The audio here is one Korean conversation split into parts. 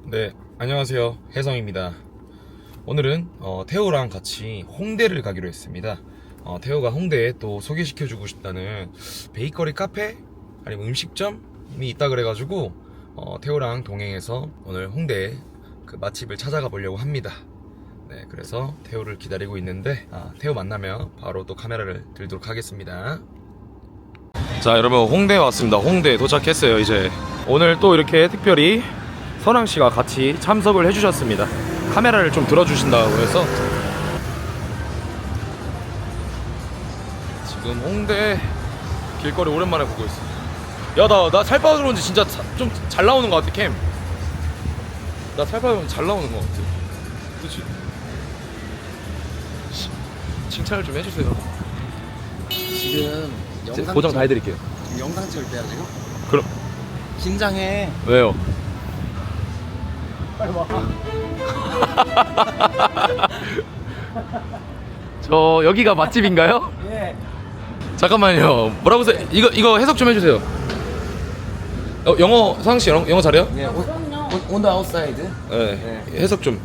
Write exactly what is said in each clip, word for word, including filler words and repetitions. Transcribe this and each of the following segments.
네, 안녕하세요. 혜성입니다. 오늘은 어, 태호랑 같이 홍대를 가기로 했습니다. 어, 태호가 홍대에 또 소개시켜주고 싶다는 베이커리 카페 아니면 음식점이 있다 그래가지고 어, 태호랑 동행해서 오늘 홍대에 그 맛집을 찾아가 보려고 합니다. 네, 그래서 태호를 기다리고 있는데 아, 태호 만나면 바로 또 카메라를 들도록 하겠습니다. 자, 여러분 홍대에 왔습니다. 홍대에 도착했어요. 이제 오늘 또 이렇게 특별히 선왕씨가 같이 참석을 해주셨습니다. 카메라를 좀 들어주신다고 해서 지금 홍대 길거리 오랜만에 보고 있어. 야, 나 나 살 빠져 그런지 진짜 좀 잘 나오는 것 같아. 캠 나 살 빠져 그런지 잘 나오는 것 같아. 그치? 칭찬을 좀 해주세요. 지금 영상 보정 다 찍- 해드릴게요. 영상 찍을 때야 지금? 그럼 긴장해. 왜요? 빨리 와. 저 여기가 맛집인가요? 예. 잠깐만요. 뭐라고 써? 이거 이거 해석 좀 해주세요. 어, 영어 상씨 영어, 영어 잘해요? 예. On the outside. 네. 해석 좀.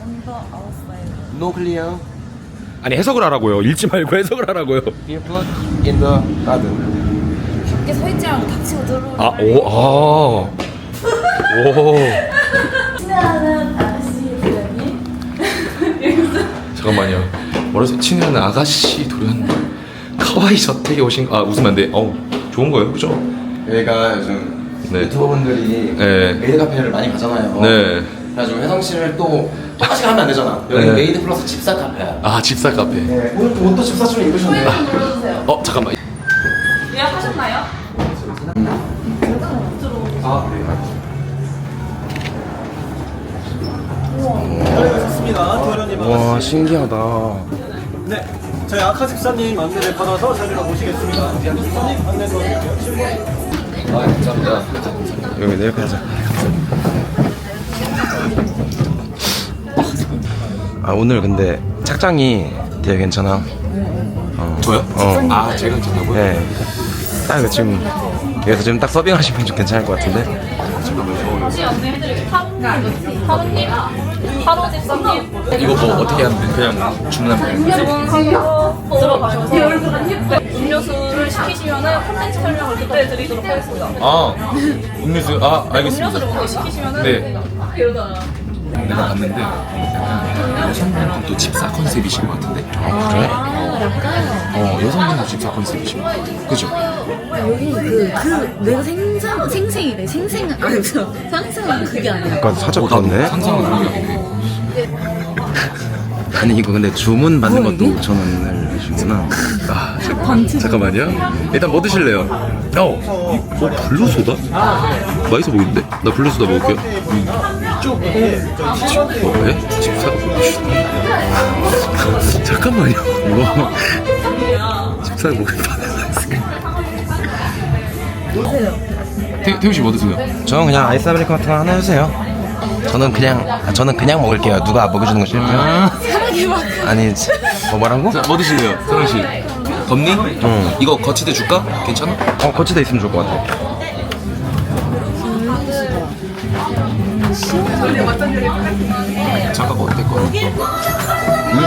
No clear. 아니 해석을 하라고요. 읽지 말고 해석을 하라고요. Beer plug in the garden. 밖에 서 있지 않고 닥치고 들어오는 아, 오, 아. 오. 친애하는 아저씨 도련님. 잠깐만요. 뭐라서 친애하는 아가씨 도련 카와이 저택에 오신 아 웃으면 안 돼. 어우 좋은 거예요, 그죠? 여기가 요즘 네. 유튜버분들이 네. 메이드 카페를 많이 가잖아요. 네. 그래가지고 혜성 씨를 또 똑같이 가면 안 되잖아. 여기 네. 메이드 플러스 집사 카페야. 아 집사 카페. 네. 오늘 또 옷도 집사처럼 입으셨네. 소개 좀 불러주세요. 어 잠깐만. 예약하셨나요? 아 그래요? 좋습니다. 도련님 와 반갑습니다. 신기하다. 네, 저희 아카 집사님 안내를 받아서 자리로 모시겠습니다. 집사님 안내 도와드릴게요. 아 감사합니다. 여기 내 옆에 하자. 아 오늘 근데 착장이 되게 괜찮아. 어. 저요? 어. 아 제가 괜찮다고요? 네. 딱 이거 지금 여기서 지금 딱 서빙하시면 좀 괜찮을 것 같은데. 다시 안내해드릴게요. 하루님, 하루님, 하루 집사님. 이거 뭐 어떻게 하면 돼? 그냥 주문하면 돼요? 주문하고 들어가셔서 음료수를 시키시면은 콘텐츠 설명을 그때 드리도록 하겠습니다. 아 음료수 아 알겠습니다. 음료수를 먼저 시키시면은 네. 이러다가 내가 봤는데 약간 여성분도 집사 컨셉이신 것 같은데? 아 그래? 어 여성분도 집사 컨셉이신 것 같아요. 그죠? 여기 그, 그, 내가 생상, 생생이래. 생생, 아니, 저, 상상은 그게 아니야. 약간 살짝 어, 나도 그렇네. 상상은 그런 게 아니네. 아니 이거 근데 주문 받는 것도 오천 원을 해주구나. 아 잠깐, 잠깐만요. 일단 뭐 드실래요? 어, 어 블루소다? 맛있어 보이는데? 나 블루소다 먹을게요. 음. 어, 네? 집사 잠깐만요. 이거 집사 먹을 뻔했어. 태, 태우 씨 뭐 드세요? 저는 그냥 아이스 아메리카노 같은 거 하나 해주세요. 저는 그냥 아, 저는 그냥 먹을게요. 누가 먹여주는 거 싫고요. 아니 뭐 뭐라고? 자, 뭐 드실래요? 사랑 씨. 덧니? 응. 이거 거치대 줄까? 괜찮아? 어 거치대 있으면 좋을 것 같아. 잠깐 어때 거? 응?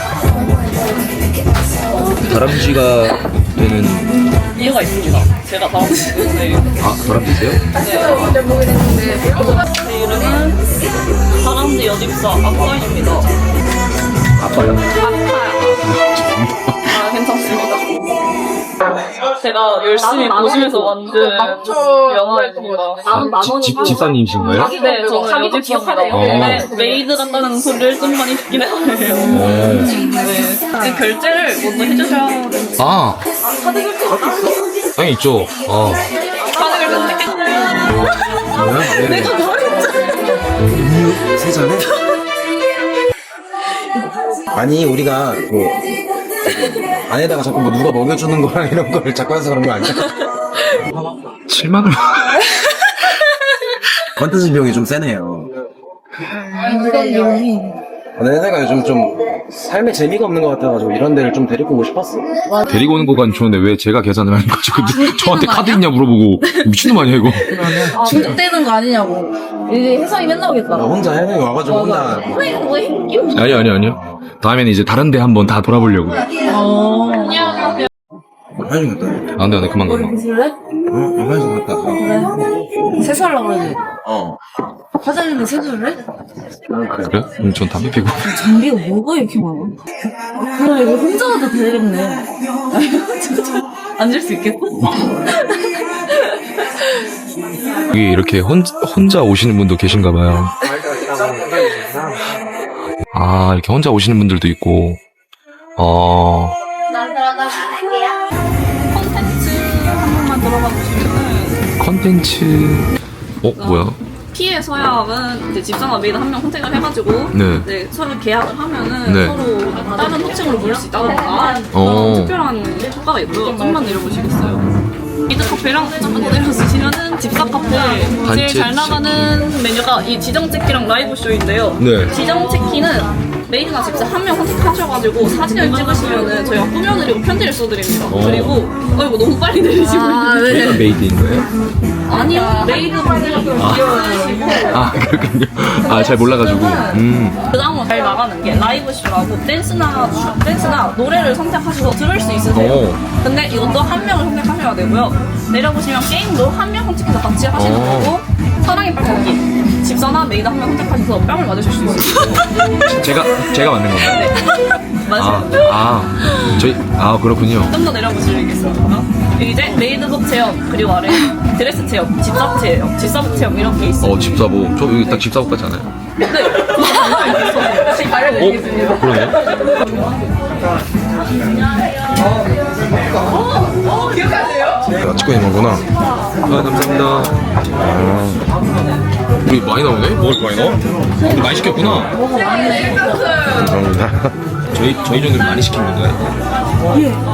다람쥐가 되는 이유가 있습니다. 제가 다람쥐 때문에 아 다람쥐세요? 제 이름은 다람쥐 여집사 아빠입니다. 아빠요? 아파요. 아 괜찮습니다. 제가 열심히 보시면서 만든 영화입니다. 집 집사님이신가요? 네, 저는 여집사입니다. 근데 메이드 같다는 소리를 좀 많이 듣긴 해요. 네. 결제를 먼저 해주셔야 되는데. 아 카드 결제 당연히 있죠. 어. 카드 결제 내가 음료 세 잔에? 아니 우리가 뭐 안에다가 자꾸 뭐 누가 먹여주는 거랑 이런 거를 자꾸 해서 그런 거 아니야? 실망을. 컨텐츠 비용이 좀 세네요. 이건 비용이 내 혜성이가 요즘 좀 삶에 재미가 없는 것 같아가지고 이런 데를 좀 데리고 오고 싶었어. 데리고 오는 거간 좋은데 왜 제가 계산을 하는 거죠? 근데 저한테 카드 있냐 물어보고 미친놈 아니야 이거? 중독되는 거 아니냐고. 이제 혜성이 맨날 오겠다. 나 혼자 혜성이 와가지고 혼자 아니 아니 아니요. 다음에는 이제 다른 데 한번 다 돌아보려고. 화장실 갔다. 아 근데 나 그만 가. 그래? 응? 화장실 갔다. 그래? 세수하려고 그러지. 어. 화장실에 세수를 해? 그래? 음, 전 담배 피고. 장비가 뭐가 이렇게 많아? 그래, 이거 혼자 와도 되겠네. 진짜 앉을 수 있겠어? 여기 이렇게 혼, 혼자 오시는 분도 계신가 봐요. 아 이렇게 혼자 오시는 분들도 있고. 어. 콘텐츠 한 번만 들어가 보시면은 컨텐츠. 어 뭐야? 피해 서약은 이제 집사나 메이드 한 명 선택을 해가지고 네. 이제 서로 계약을 하면은 네. 서로 다른 호칭으로 부를 수 있다던가 어. 그런 특별한 효과가 있고요. 좀만 내려보시겠어요? 미드 카페랑 좀만 내려주시면은 집사 카페 제일 단체 잘 나가는 메뉴가 이 지정 체키랑 라이브 쇼인데요. 네. 지정 체키는 메이드나 집사 한 명 선택하셔가지고 사진을 찍으시면은 저희가 꾸며드리고 편지를 써드립니다. 어. 그리고 어 이거 너무 빨리 내리시고 아, 있는데 저희가 메이드인 거예요? 아니요 메이드 분들이 귀여우시고 아 그렇군요. 아 잘 몰라가지고. 음. 그 다음으로 잘 나가는 게 라이브 쇼라고 댄스나 춤, 댄스나 노래를 선택하셔서 들을 수 있으세요. 오. 근데 이것도 한 명을 선택하셔야 되고요. 내려보시면 게임도 한 명 선택해서 같이 하시는 오. 거고 사랑의 ጳ기 집사나 메이드 한 명 선택하셔서 뺨을 맞으실 수 있어요. 제가 제가 만든 건가요? 맞아요. 아, 아 저희 아 그렇군요. 좀 더 내려보시겠습니까? 여기 이제 메이드복 체험 그리고 아래 드레스 체험, 집사복 체험, 집사복 체험 이렇게 있어요. 어 집사복. 저 여기 딱 집사복 같지 않아요? 네. 어? 그러네요. 아, 찍고 있는 거구나. 아 감사합니다. 아, 우리 많이 나오네? 먹을 거 많이 나와? 우리 많이 시켰구나. 감사합니다. 저희 저희 정도는 많이 시킨 건가요?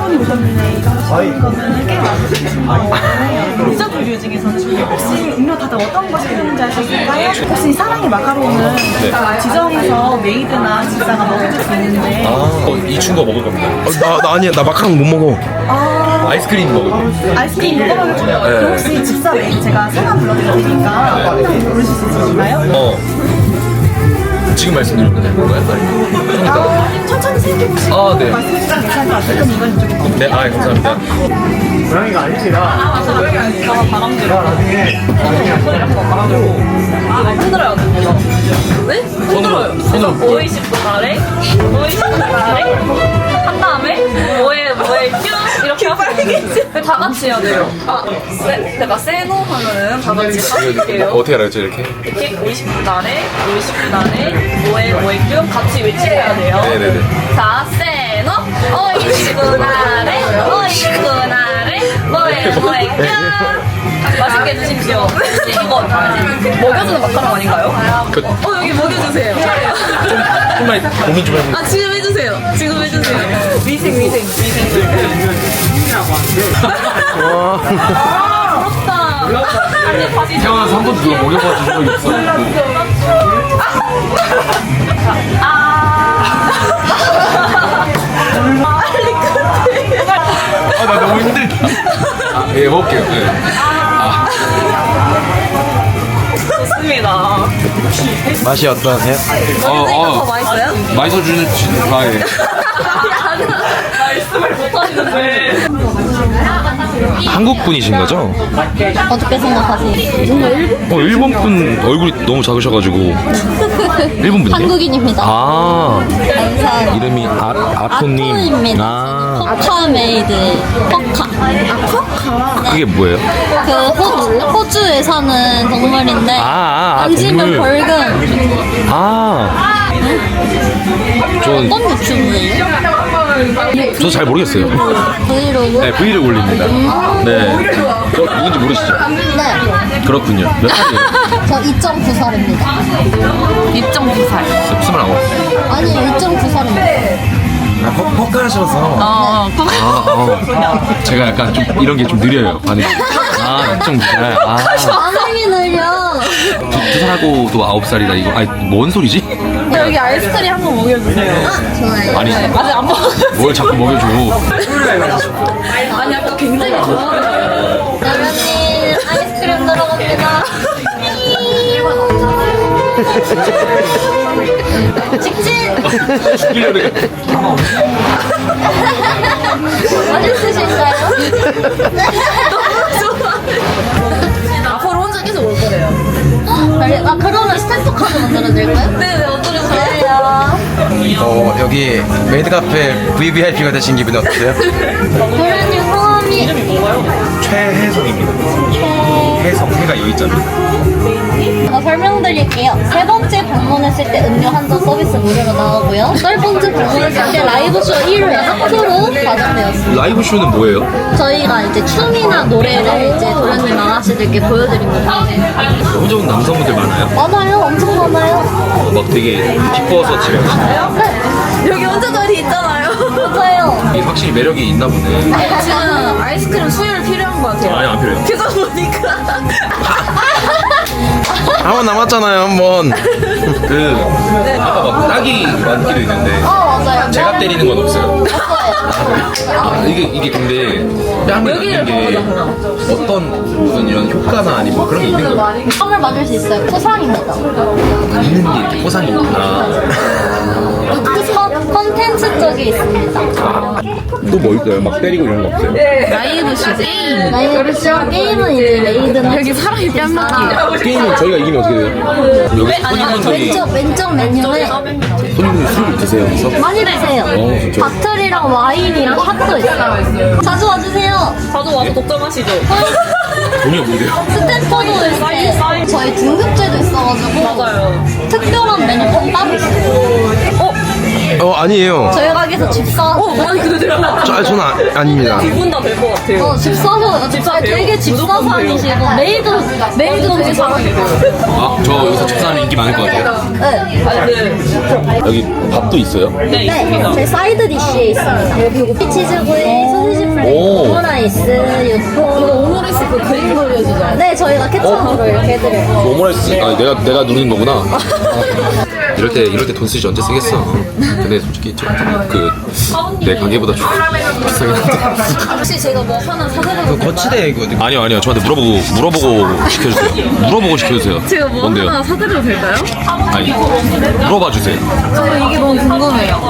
유저분류 중에서 혹시 음료 다들 어떤 것이 있는지 아실까요? 혹시 사랑의 마카롱은 지정해서 메이드나 집사가 먹어줄 수 있는데 아, 어, 이 친구가 먹을 겁니다. 어, 나, 나 아니야. 나 마카롱 못 먹어. 아이스크림 먹을 거예요. 아이스크림 먹어볼 줄요 그럼 혹시 집사 메이드 제가 성함 불러드릴 테니까 한번 부르실 수 있으신가요? 어. 지금 말씀드리면 되는 건가요? 아니, 좀 이따가. 아, 천천히 생각해보시고 아, 네. 말씀해주시면 괜찮을 것 같아요. 그럼 이건 이쪽에 네, 아, 감사합니다. 고양이가 아닙니다. 저가 바람 들고 소리 한번 바람들고 흔들어야 됩니다. 네? 흔들어요. 그래서 오이십 분 아래, 오이십 분 아래 한 다음에 뭐에 뭐에 큐 이렇게 하시면 다 같이 해야 돼요. 아, 세, 제가 세노 하면은 다 같이 하실게요. 어떻게 알았죠, 이렇게? 이렇게 오이십 분 아래, 오이십 분 아래 뭐에 뭐에 큐 같이 외치셔야 돼요. 네네네. 자, 세노 오이십 분 아래, 오이십 분 아래 뭐에 뭐에 큐 맛있게 드십시오. 이거 먹여주는 마카롱 아닌가요? 그, 어 여기 먹여주세요. 조금만 고민 좀 해보세요. 아 지금 해주세요. 지금 해주세요. 위생 위생 위생. 아 부럽다. 아니 다시 태어나서 한 번도 누가 먹여봐 준 적이 없어. 아, 나 너무 힘들다. 아, 예, 먹을게요. 네. 좋습니다. 맛이 어떠세요? 어, 어, 맛있어요? 맛있어주는, 아, 예. 말씀을 못하시는데. 한국 분이신 거죠? 어떻게 생각하세요? 어, 일본 분 얼굴이 너무 작으셔가지고. 일본 분이에요? 한국인입니다. 아, 안산 이름이 아, 아토님. 아토입니다. 아, 포카 메이드. 포카. 그게 뭐예요? 그 호, 호주에 사는 동물인데 아, 아, 아, 만지면 동물. 벌금. 아. 저, 어떤 유튜브예요? 저 잘 모르겠어요. 브이로그? 네, 브이를 올립니다. 네. 저 누군지 모르시죠? 네. 그렇군요. 몇 살이에요? 저 이 점 구 살입니다. 이 점 구 살. 스물아홉. 아니요, 이 점 구 살입니다. 아, 퍼, 퍼크 하셔서. 어, 아, 어. 제가 약간 좀 이런 게 좀 느려요. 반응이. 아, 좀 느려요. 아. 반응이 느려. 두, 두 살하고도 아홉 살이다, 이거. 아니, 뭔 소리지? 네, 여기 아이스크림 한번 먹여주세요. 아니 아직 안 먹었어요. 뭘 자꾸 먹여줘. 아니 아까 굉장히 좋아하더라고요. 라면님 아이스크림 들어갑니다. 직진. 맛있으신가요? 앞으로 혼자 계속 올 거래요. 아 그러면 스탬프 카드 만들어드릴까요? 네네 어떠셨어요? 좋아요. 어 여기 메이드 카페 브이브이아이피가 되신 기분이 어떠세요? 도련님 성함이 최혜성입니다. 혜성 해가 여기 있잖아. 어, 설명드릴게요. 세 번째 방문했을 때 음료 한 잔 서비스 무료로 나오고요. 열 번째 방문했을 때 라이브쇼 일 회 학교로 과장되었습니다. 라이브 쇼는 뭐예요? 저희가 이제 춤이나 노래를 이제 도련님 아가씨들께 보여드립니다. 혼자 온 남성분들 많아요? 많아요. 엄청 많아요. 어, 막 되게 기뻐서 집에 가시나요? 네. 여기 혼자 자리 있잖아요. 맞아요. 이게 확실히 매력이 있나 보네. 지금 아이스크림 수혈 필요한 것 같아요. 아니 안 필요해요. 계속 보니까. 한 번 남았잖아요 한 번. 그 아까 막 딱이 많기도 있는데 어 맞아요. 제가 때리는 건 없어요. 없어요. 아, 이게 이게 근데 뺨을 여기를 맞는 게 어떤 무슨 이런 효과나 아니 뭐 그런 게 있는 거예요? 땀을 맞을 수 있어요. 포상입니다. 맞는 게 이렇게 포상이 있구나. 컨- 컨텐츠 쪽이 있습니다. 또 뭐 있어요? 막 때리고 이런 거 없어요? 라이브 쇼 게임. 라이브쇼 게임은 이제 메이드는 여기 사람이 뺨 맞기. 게임은 저희가 이기면 어떻게 돼요? 여기 손님분들이 왼쪽 왼쪽 메뉴에 손님분들이 술 드세요 여기서? 많이 드세요. 어, 진짜? 바틀이랑 와인이랑 핫도 있어요. 자주 와주세요. 자주 와서 독점하시죠. 돈이 없는데요? 스탬퍼도 있어요. 저희 등급제도 있어가지고 맞아요. 특별한 메뉴 따로 있어요. 어 아니에요. 저희 가게에서 집 사서 어, 많이 그대로. 저, 아니, 저는 아, 아닙니다. 두 분 다 될 것 같아요. 어, 집 사서 집 사세요? 되게 집 무조건 사상이시고 메이드 메이드도 되게 잘하시고. 아, 저 여기서 집사람이 인기 많을 것 같아요. 네. 아, 네. 여기 밥도 있어요? 네, 네, 있습니다. 제 사이드 디쉬에 있습니다. 여기 치즈구이, 소시지 플레이, 오. 오므라이스, 육포. 오므라이스 그 그림 그려주잖아요. 네, 저희가 케첩으로 이렇게 해드려요. 오므라이스 아 내가 내가 누르는 거구나. 이럴 때 이럴 때 돈 쓰지 언제 쓰겠어. 근데 솔직히 그내 가게보다 좀 비싸긴 한데. 혹시 제가 뭐 하나 사드려도 그 거치대 이거 아니요 아니요 저한테 물어보고 물어보고 시켜주세요. 물어보고 시켜주세요. 제가 뭐 뭔데요? 하나 사드려도 될까요? 아니 물어봐 주세요. 저 이게 너무 궁금해요.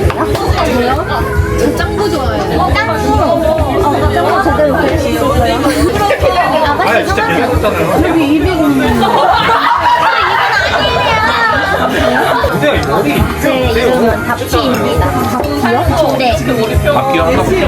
저 짱구 좋아해요. 어, 짱구. 어, 짱구 제대로 그릴 수 있을까요? 아가씨 성함이 여기 이백원. 제 이름은 다피입니다. 다피요? 네. 밥기요?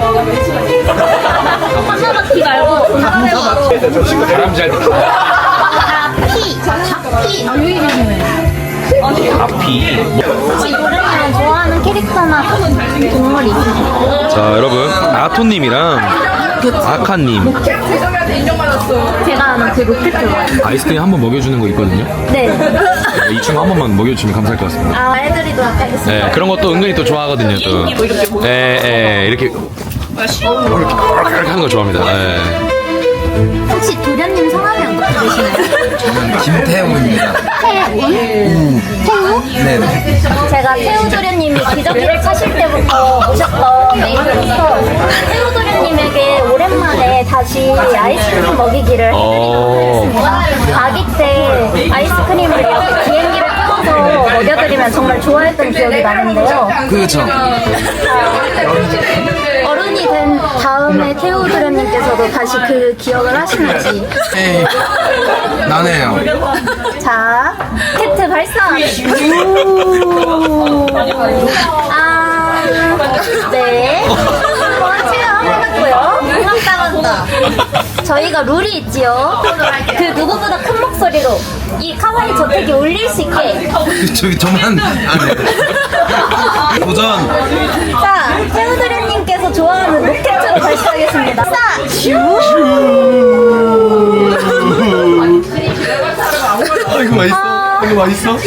하나바퀴 말고 다피요. 바람 잘 듣고. 다피. 다피. 아, 여기 계시네. 앞이. 혹시 노래랑 좋아하는 캐릭터나 동물이 있으세요? 자 여러분 아토님이랑 아카님 제가 아는 그 로켓 좋아해요. 아이스크림 한 번 먹여주는 거 있거든요. 네. 이 친구 한 번만 먹여주면 감사할 것 같습니다. 아, 해드리도록 하겠습니다. 네 그런 것도 은근히 또 좋아하거든요. 또. 네, 네 이렇게 이렇게 하는 거 좋아합니다. 네. 혹시 도련님 성함이 어떻게 되시나요? 저는 김태웅입니다. 태우? 태우? 네네. 제가 태우 도련님이 기저귀를 차실 때부터 오셨던 메이드로서 태우 도련님에게 오랜만에 다시 아이스크림 먹이기를 어. 해드리겠습니다. 아기 때 아이스크림을 이렇게 비행기를 타고서 먹여드리면 정말 좋아했던 기억이 나는데요. 그렇죠. 어른이 된 다음에 태우 도련님께서도 다시 그 기억을 하시는지. 에이 나네요. 자, 캐트 발사. 아, 네. 원치가 하고요. 응답당한다. 저희가 룰이 있지요. 그 누구보다 큰 목소리로 이 카와이 저택이 울릴 수 있게. 저기 저만 안해. 도전. 자, 태우드련님께서 좋아하는 로켓으로 발사하겠습니다. 자, 슈. 아 이거 맛있어. 이거 맛있어?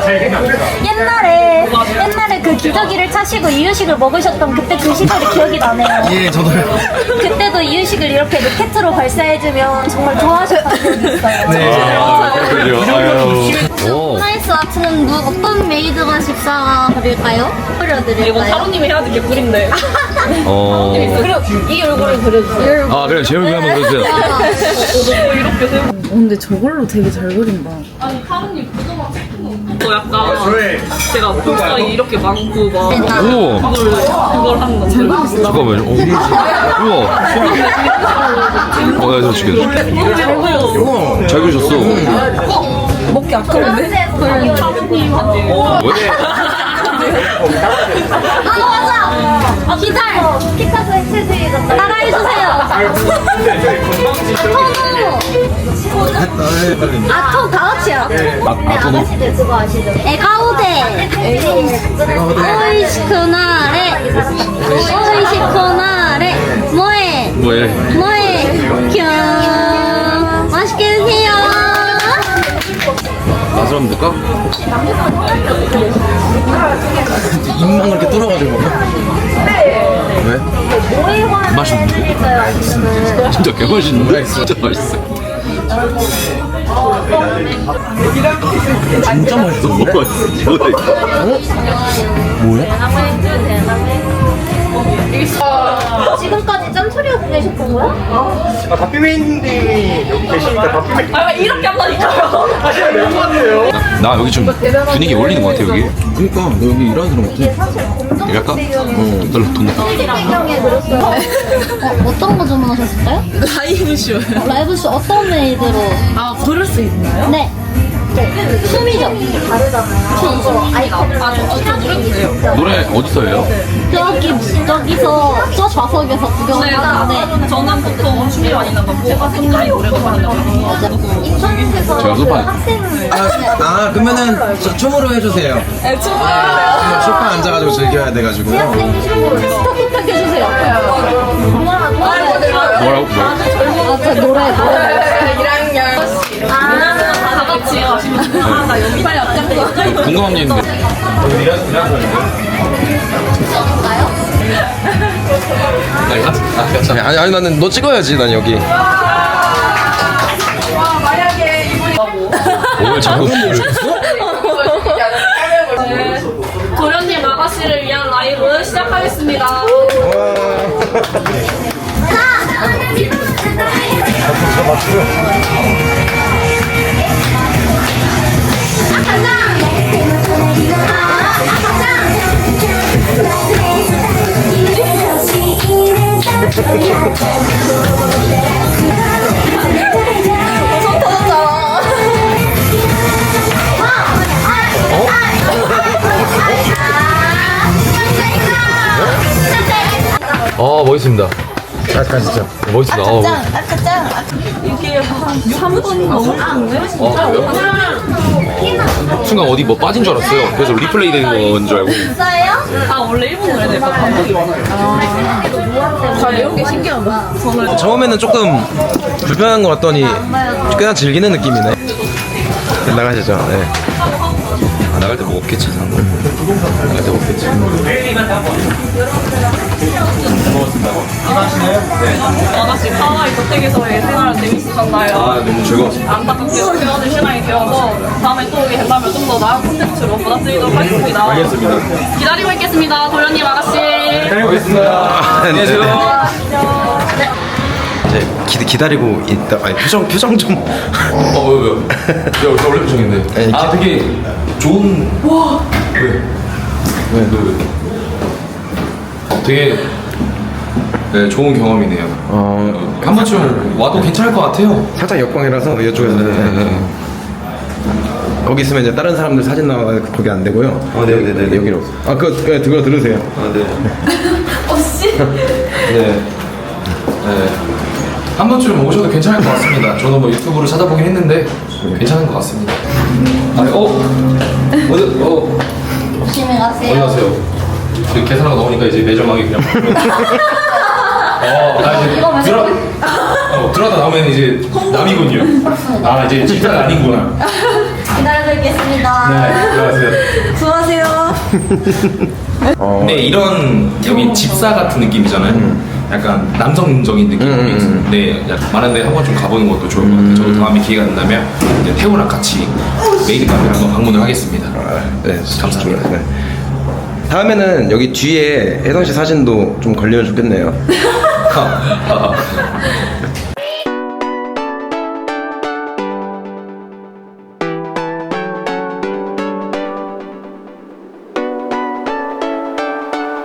옛날에 옛날에 그 기저귀를 차시고 이유식을 먹으셨던 그때 그 시절이 기억이 나네요. 예 저도요. 그때도 이유식을 이렇게 로켓으로 발사해주면 정말 좋아하셨던 기억이 있어요. 네. 아, 그렇군요. 아유. 오. 프라이스 아트는 누, 어떤 메이드가 집사가 그릴까요? 이건 그려드릴까요? 타로님이 해야 될 게 꿀인데. 어. 그려 이 얼굴을 그려주세요. 아 그래 제 얼굴 한번 그려주세요. 이렇게 세우. 근데 저걸로 되게 잘 그린다. 아니 타로님 그거만 또 약간 제가 볼살이 이렇게 많고 막 우와. 그걸 그걸 하는 거. 잘 그렸어. 잠깐만요. 어. 우와. 어, 야, 저 죽여. 잘 그리셨어. 먹기 아까운데? 왜? 아 맞아! 아, 기타! 피카소 액세서리 따라해주세요! 아토노! 아토 다 같이요. 네, 아가씨들 그거 아시죠? 에가오데! 오이시쿠나레! 오이시쿠나레! 뭐해! 뭐해? 뭐해! 큐! 맛있게 드세요! 맛을 한번 볼까? 입만 그렇게 뚫어가지고 먹어? 왜? 맛있는데? 진짜 개맛있는데? 진짜 맛있어. 진짜 맛있어. 너무 맛있어. 뭐야? 지금까지 짬처리하고 계셨던 거야? 아, 박비맨님이 여기 계시니까 박비맨 아 이렇게 한다니까요. 하시면 될것 같아요. 나 여기 좀 분위기 어울리는 것 같아 여기. 그니까 너 여기 일하는 사람 같아. 사실 검정 이거 할까? 어. 달러 돈 낼까? 배경에 그렸어요. 어, 어떤 거 주문하셨을까요? 라이브쇼요. 라이브쇼 어떤 메이드로? 아, 고를 수 있나요? 네. 춤이죠. 다르잖아요. 저 이거 아이패드. 아, 저, 저 노래 주세요. 노래 어디서 해요? 저기 저기서 저 좌석에서 네, 구경하는데 저는 보통 춤이 많이 나가고 색깔이 노래가 많이 나가고. 인터넷에서 제가 그 소파. 학생 아, 아 그러면은 저 춤으로 해주세요. 네, 춤을. 소파 앉아가지고 즐겨야 돼가지고요. 대학생 춤으로 스타 부탁해주세요. 뭐라고? 뭐라고? 아, 저 노래 노래. 아, 다 같이 하시면 아, 나 여기 빨리 앞장서. 궁금한 게 있는데. 아니, 같이, 아, 같이. 아니, 아니 나는 너 찍어야지 난 여기. 뭘 자꾸 도련님 아가씨를 위한 라이브 시작하겠습니다. 어 멋있습니다. 자 가시죠. 멋있다. 어, 이게 한 삼 분 넘을 텐데? 어, 그래요? 어, 순간 어디 뭐 빠진 줄 알았어요. 그래서 리플레이 되는 건 줄 알고. 있어요? 아, 원래 일본 노래들 다 반복이 많아요. 저 이런 게 신기하다. 저는 처음에는 조금 불편한 것 같더니 꽤나 즐기는 느낌이네. 나가시죠. 네. 아, 나갈 때 뭐 없겠지. 나갈 때 없겠지. 아가씨 하와이 저택에서의 생활 재밌으셨나요? 아 너무 즐거웠습니다. 안타깝게 헤어질 시간이 되어서 다음에 또 오게 된다면 좀 더 나은 콘텐츠로 받아드리도록 하겠습니다. 알겠습니다. 기다리고 있겠습니다, 도련님 아가씨. 알겠습니다. 안녕하세요. 이제 기, 기다리고 있다. 아니 표정 표정 좀. 어, 왜, 왜? 야, 저 원래 표정인데. 아니, 아, 기- 되게 좋은. 와! 왜? 왜, 왜, 왜? 어, 되게. 네, 좋은 경험이네요. 어 어, 한 번쯤 와도 괜찮을 것 같아요. 살짝 역광이라서 이쪽에서. 네. 거기 있으면 이제 다른 사람들 사진 나와 거기 안 되고요. 아, 네네네. 여기로. 아 그거 네, 그거 들으세요. 아, 네. 어씨. 네. 네. 한 번쯤 오셔도 괜찮을 것 같습니다. 저도 뭐 유튜브로 찾아보긴 했는데 괜찮은 것 같습니다. 아, 어? 어디, 어, 조심히 가세요. 어디 가세요? 이렇게 계산하고 나오니까 이제 매점하게 그냥. 어, 나 이제 들어, 어, 들어다 나오면 이제 남이군요. 아, 이제 진짜가 아닌구나. 기다리고 있겠습니다. 네, 들어가세요. 수고하세요. 근데 이런 여기 집사 같은 느낌이잖아요. 약간 남성적인 느낌이 음, 음, 음. 있는데 많은데 한 번쯤 가보는 것도 좋을 것 같아요. 저도 다음에 기회가 된다면 이제 태우랑 같이 메이드 카페를 한번 방문을 하겠습니다. 아, 네, 감사합니다. 네. 다음에는 여기 뒤에 혜성 씨 사진도 좀 걸리면 좋겠네요.